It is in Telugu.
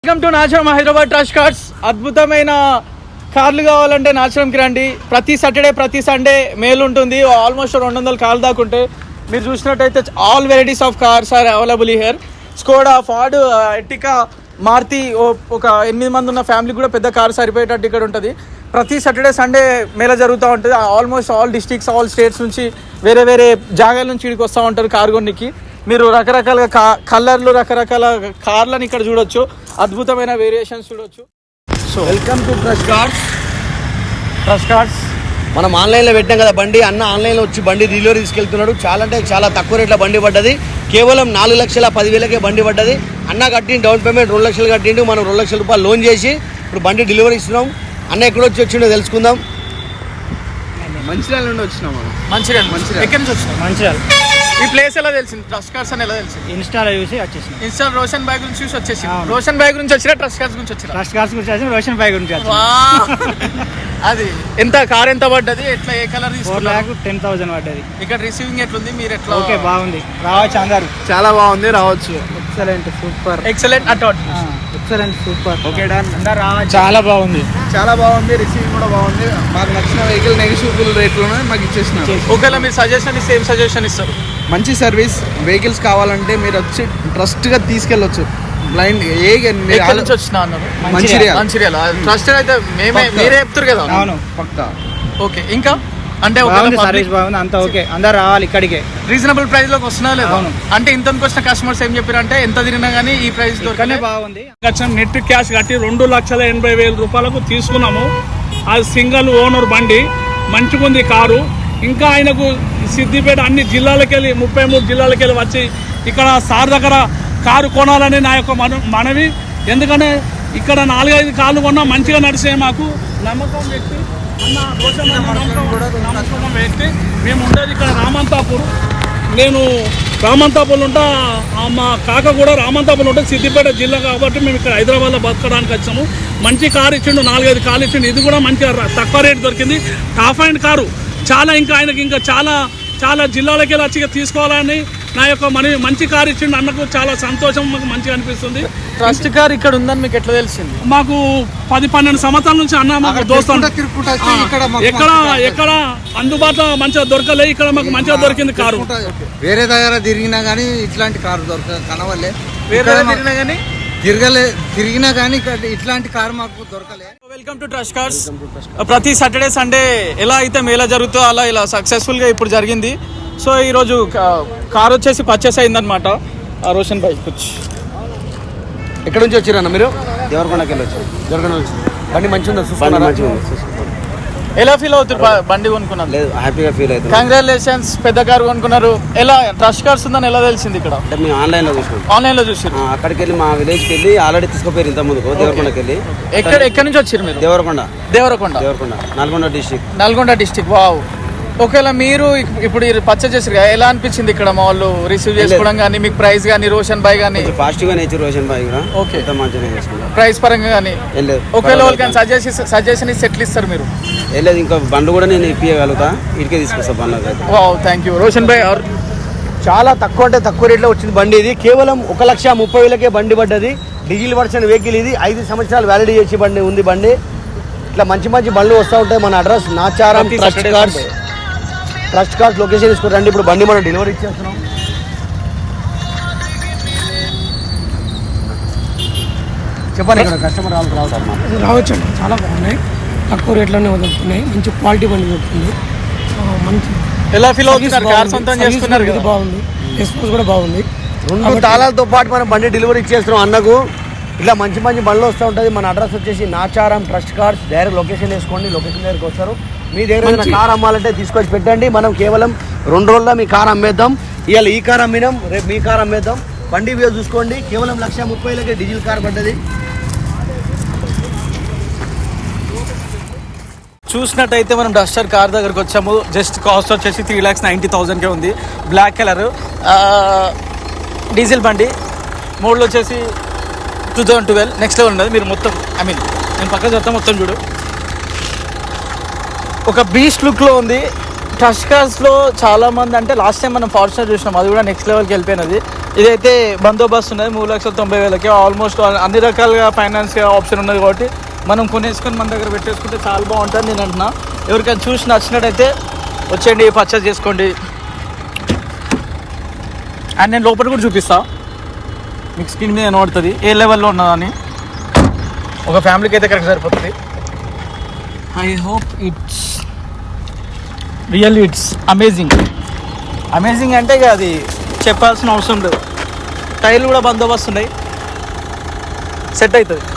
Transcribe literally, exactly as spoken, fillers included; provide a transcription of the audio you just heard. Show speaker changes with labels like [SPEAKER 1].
[SPEAKER 1] Welcome to Nacharam Hyderabad Trust Cars. అద్భుతమైన కార్లు కావాలంటే నాచరంకి రండి. ప్రతి సాటర్డే ప్రతి సండే మేలు ఉంటుంది. ఆల్మోస్ట్ రెండు వందల కార్లు దాకా ఉంటాయి. మీరు చూసినట్టయితే all varieties of cars are available here. Skoda, Ford, Ertiga, Maruti, ఒక ఎనిమిది మంది ఉన్న ఫ్యామిలీ కూడా పెద్ద కార్ సరిపోయేటట్టు ఇక్కడ ఉంటుంది. ప్రతి సాటర్డే సండే మేళ జరుగుతూ ఉంటుంది. Almost all districts, all states నుంచి వేరే వేరే జాగాల నుంచి ఇక్కడికి వస్తూ ఉంటారు కారు కొన్నికి. మీరు రకరకాల కా కలర్లు రకరకాల కార్లను ఇక్కడ చూడొచ్చు. అద్భుతమైన వేరియేషన్స్ చూడొచ్చు.
[SPEAKER 2] So welcome to Trust Cars.
[SPEAKER 1] Trust Cars
[SPEAKER 2] మనం ఆన్లైన్లో పెట్టాం కదా బండి. అన్న ఆన్లైన్లో వచ్చి బండి డెలివరీ తీసుకెళ్తున్నాడు. చాలా అంటే చాలా తక్కువ రేట్లో బండి పడ్డది. కేవలం నాలుగు లక్షల పదివేలకే బండి పడ్డది. అన్న కట్టిండు డౌన్ పేమెంట్ రెండు లక్షలు కట్టిండు. మనం రెండు లక్షల రూపాయలు లోన్ చేసి ఇప్పుడు బండి డెలివరీ ఇస్తున్నాం. అన్న ఎక్కడ వచ్చి వచ్చిండో తెలుసుకుందాం.
[SPEAKER 3] మంచిర్యాల నుండి వచ్చినాం మనం.
[SPEAKER 1] మంచిర్యాల. మంచిర్యాల ఎక్కడి నుంచి వచ్చినాం?
[SPEAKER 4] మంచిర్యాల.
[SPEAKER 1] ఈ ప్లేస్ ఎలా తెలిసింది? ట్రస్ట్ కార్స్ అని ఎలా తెలిసింది?
[SPEAKER 4] ఇన్స్టాలో చూసి వచ్చేసిన.
[SPEAKER 1] ఇన్స్టా రోషన్ బాయ్ గురించి చూసి వచ్చేసి. రోషన్ బాయ్ గురించి వచ్చినా ట్రస్ట్ కార్స్ గురించి వచ్చినా?
[SPEAKER 4] ట్రస్ట్ కార్స్ గురించి వచ్చిన, రోషన్ బాయ్ గురించి వచ్చిన.
[SPEAKER 1] అది ఎంత కార్ ఎంత పడ్డది, ఎట్లా ఏ కలర్
[SPEAKER 4] ఫోర్
[SPEAKER 1] తీసుకున్నారు?
[SPEAKER 4] ల్యాక్ టెన్ థౌసండ్ పడ్డది.
[SPEAKER 1] ఇక్కడ రిసీవింగ్ ఎట్లుంది? మీరు ఎట్లా?
[SPEAKER 4] ఓకే, బాగుంది. రావచ్చు అందరు.
[SPEAKER 3] చాలా బాగుంది, రావచ్చు.
[SPEAKER 4] Excellent, super.
[SPEAKER 1] ఎక్సలెంట్ అటాట్.
[SPEAKER 4] Excellent, super.
[SPEAKER 3] Okay done.
[SPEAKER 4] అందరు రావచ్చు.
[SPEAKER 1] చాలా బాగుంది.
[SPEAKER 3] చాలా బాగుంది, రిసీవింగ్ కూడా బాగుంది. మాకు నచ్చిన వెహికల్ నెగిటివ్ రేట్లోనే మాకు ఇచ్చేసినారు.
[SPEAKER 1] ఒకవేళ మీరు సజెషన్ ఇస్తే ఏం సజెషన్ ఇస్తారు?
[SPEAKER 3] మంచి సర్వీస్. వెహికల్స్ కావాలంటే మీరు వచ్చి ట్రస్ట్గా తీసుకెళ్ళొచ్చు. బ్లైండ్ ఏ
[SPEAKER 1] ఎక్కడి నుంచి వచ్చినా అన్నారు?
[SPEAKER 3] మంచిర్యాల.
[SPEAKER 1] మంచిర్యాల ట్రస్టెడ్ అయితే మేమే మీరే చెప్తారు కదా.
[SPEAKER 4] అవును,
[SPEAKER 3] పక్కా.
[SPEAKER 1] ఓకే, ఇంకా అంటే
[SPEAKER 4] సర్వీస్ బాగుంది, అంతా ఓకే. అందరు రావాలి ఇక్కడికే.
[SPEAKER 1] రీజనబుల్ ప్రైస్ లోకి వస్తున్నా లేదా?
[SPEAKER 4] అవును.
[SPEAKER 1] అంటే ఇంత వచ్చిన కస్టమర్స్ ఏం చెప్పారు అంటే ఎంత తిరిగినా కానీ ఈ ప్రైస్
[SPEAKER 4] ఇక్కడనే బాగుంది.
[SPEAKER 5] నెట్ క్యాష్ కట్టి రెండు లక్షల ఎనభై వేల రూపాయలకు తీసుకున్నాము. అది సింగిల్ ఓనర్ బండి, మంచిగుంది కారు. ఇంకా ఆయనకు సిద్దిపేట అన్ని జిల్లాలకు వెళ్ళి ముప్పై మూడు జిల్లాలకు వెళ్ళి వచ్చి ఇక్కడ సార్ దగ్గర కారు కొనాలని నా యొక్క మన మనవి. ఎందుకంటే ఇక్కడ నాలుగైదు కార్లు కొన్నా మంచిగా నడిచే మాకు నమ్మకం వ్యక్తి అన్న రోషన్ అన్న నమ్మకం నమ్మకం వ్యక్తి. మేము ఉండేది ఇక్కడ రామంతాపూర్. నేను రామంతాపూర్లో ఉంటా, మా కాక కూడా రామంతాపూర్లో ఉంటుంది, సిద్దిపేట జిల్లా. కాబట్టి మేము ఇక్కడ హైదరాబాద్లో బతకడానికి వచ్చాము. మంచి కారు ఇచ్చిండు, నాలుగైదు కార్లు ఇచ్చిండు. ఇది కూడా మంచిగా తక్కువ రేటు దొరికింది. టాప్ అండ్ కారు చాలా. ఇంకా ఆయనకి ఇంకా చాలా చాలా జిల్లాలకి వెళ్ళి వచ్చి తీసుకోవాలని నా యొక్క మన మంచి కారు ఇచ్చిండు అన్నకు చాలా సంతోషం, మాకు మంచిగా అనిపిస్తుంది.
[SPEAKER 1] ట్రస్ట్ కార్ ఇక్కడ ఉందని మీకు ఎట్లా తెలిసింది?
[SPEAKER 5] మాకు పది పన్నెండు సంవత్సరాల నుంచి అన్న మాకు దోస్తాను. ఎక్కడ ఎక్కడ అందుబాటులో మంచిగా దొరకలే, ఇక్కడ మాకు మంచిగా దొరికింది కారు.
[SPEAKER 3] వేరే దగ్గర తిరిగినా కానీ ఇట్లాంటి కారు దొరక కనవలే.
[SPEAKER 1] వేరే తిరిగినా కానీ
[SPEAKER 3] తిరగలే తిరిగినా కానీ ఇట్లాంటి కారు మాకు దొరకలే.
[SPEAKER 1] Welcome to Trust Cars. ప్రతి సాటర్డే సండే ఎలా అయితే మేళ జరుగుతుందో అలా ఇలా సక్సెస్ఫుల్గా ఇప్పుడు జరిగింది. సో ఈరోజు కార్ వచ్చేసి పర్చేస్ అయిందనమాట. రోషన్ బైక్ వచ్చి
[SPEAKER 2] ఎక్కడ నుంచి వచ్చారన్న మీరు?
[SPEAKER 4] దేవరకొండకి వెళ్ళొచ్చు.
[SPEAKER 2] దొరకన వచ్చి బండి మంచిగా ఉందా? చూసుకున్నారా?
[SPEAKER 1] ఎలా ఫీల్ అవుతారు బండి కొనుక్కున్నారు?
[SPEAKER 4] లేదు, హ్యాపీగా ఫీల్ అవుతుంది.
[SPEAKER 1] కంగ్రాచులేషన్స్, పెద్ద కార్ కొనుక్కున్నారు. ఎలా ట్రస్ట్ కార్స్ ఉందని ఎలా తెలిసింది? ఇక్కడ
[SPEAKER 4] అంటే మేము ఆన్లైన్లో చూసినాం.
[SPEAKER 1] ఆన్లైన్లో చూసారు?
[SPEAKER 4] అక్కడికి వెళ్ళి మా విలేజ్కి వెళ్ళి ఆల్రెడీ తీసుకుపోయారు ఇంత ముందుకు. దేవరకొండకి వెళ్ళి.
[SPEAKER 1] ఎక్కడ ఎక్కడి నుంచి వచ్చారు మీరు?
[SPEAKER 4] Devarakonda.
[SPEAKER 1] Devarakonda.
[SPEAKER 4] Devarakonda Nalgonda district.
[SPEAKER 1] Nalgonda district. Wow. ఒకవేళ మీరు ఇప్పుడు పర్చేస్ చేసారు కదా, ఎలా అనిపించింది ఇక్కడ మా వాళ్ళు రిసీవ్ చేసుకోవడం కానీ, మీకు ప్రైస్ కానీ, రోషన్ బాయ్ కానీ?
[SPEAKER 4] ఫాస్ట్గా నేర్చు రోషన్ బాయ్ కూడా.
[SPEAKER 1] ఓకే,
[SPEAKER 4] మంచిగా చేసుకున్నాం.
[SPEAKER 1] ప్రైస్ పరంగా కానీ ఒకవేళ వాళ్ళకి సజెషన్ సజెషన్ సెటిల్ ఇస్తారు మీరు?
[SPEAKER 4] వెళ్ళలేదు, ఇంకా బండ్లు కూడా నేను ఇప్పించగలుగుతా. ఇటుకే తీసుకొస్తా బండ్లు అయితే.
[SPEAKER 1] వావ్, థ్యాంక్ యూ రోషన్ బాయ్.
[SPEAKER 2] చాలా తక్కువ అంటే తక్కువ రేట్లో వచ్చింది బండి. ఇది కేవలం ఒక లక్ష ముప్పై వేలకే బండి పడ్డది. డీజిల్ వర్షన్ వెహికల్ ఇది. ఐదు సంవత్సరాలు వ్యాలిడిటీ చేసి బండి ఉంది బండి. ఇట్లా మంచి మంచి బండ్లు వస్తూ ఉంటాయి. మన address Nacharam Trust Cars. Trust Cars location తీసుకురండి. ఇప్పుడు బండి మనం డెలివరీ ఇచ్చేస్తున్నాం. చెప్పండి, ఇక్కడ కస్టమర్ రావాలి రావచ్చు
[SPEAKER 6] రావచ్చండి. చాలా బాగున్నాయి, తక్కువ రేట్లోనే దొరుకుతున్నాయి. మంచి క్వాలిటీ బండి దొరుకుతుంది. మంచి
[SPEAKER 1] ఎలా ఫీల్ అవుతున్నారు? కార్ సొంతం చేసుకున్నారు కదా,
[SPEAKER 6] బాగుంది. రెస్పాన్స్ కూడా బాగుంది.
[SPEAKER 2] రెండు తాళాలతో పాటు మనం బండి డెలివరీ ఇచ్చేస్తున్నాం అన్నకు. ఇట్లా మంచి మంచి బండ్లు వస్తూ ఉంటుంది. మన అడ్రస్ వచ్చేసి Nacharam Trust Cars. Direct location వేసుకోండి, లొకేషన్ దగ్గరికి వస్తారు. మీ దగ్గర ఏదైనా కార్ అమ్మాలంటే తీసుకొచ్చి పెట్టండి. మనం కేవలం రెండు రోజుల్లో మీ కార్ అమ్మేద్దాం. ఇవాళ ఈ కార్ అమ్మినాం, రేపు మీ కార్ అమ్మేద్దాం. బండి వ్యూ చూసుకోండి. కేవలం లక్ష ముప్పై వేలకే డీజిల్ కార్ పడ్డది.
[SPEAKER 1] చూసినట్టయితే మనం డస్టర్ కార్ దగ్గరకు వచ్చాము. జస్ట్ కాస్ట్ వచ్చేసి త్రీ ల్యాక్స్ నైంటీ థౌసండ్కే ఉంది. బ్లాక్ కలర్ డీజిల్ బండి. మోడల్ వచ్చేసి two thousand twelve. Next level ఉన్నది. మీరు మొత్తం ఐ మీన్ నేను పక్కన చెప్తాను, మొత్తం చూడు. ఒక బీస్ట్ లుక్లో ఉంది. ట్రస్ట్ కార్స్లో చాలామంది అంటే లాస్ట్ టైం మనం ఫార్చునర్ చూసినాం, అది కూడా నెక్స్ట్ లెవెల్కి వెళ్ళిపోయినది. ఇదైతే బందోబస్తు ఉన్నది మూడు లక్షల తొంభై వేలకి ఆల్మోస్ట్ అన్ని రకాలుగా ఫైనాన్స్ ఆప్షన్ ఉన్నది కాబట్టి మనం కొనేసుకొని మన దగ్గర పెట్టేసుకుంటే చాలా బాగుంటుంది నేను అంటున్నా. ఎవరికైనా చూసి నచ్చినట్టయితే వచ్చేయండి, పర్చేస్ చేసుకోండి. అండ్ నేను లోపల కూడా చూపిస్తా, మీకు స్క్రీన్ మీద కనబడుతుంది ఏ లెవెల్లో ఉన్నదని. ఒక ఫ్యామిలీకి అయితే కరెక్ట్ సరిపోతుంది. I hope it's really it's amazing. Amazing అంటే ఇక అది చెప్పాల్సిన అవసరం లేదు. టైర్లు కూడా బందోబస్తు ఉన్నాయి, సెట్ అవుతుంది.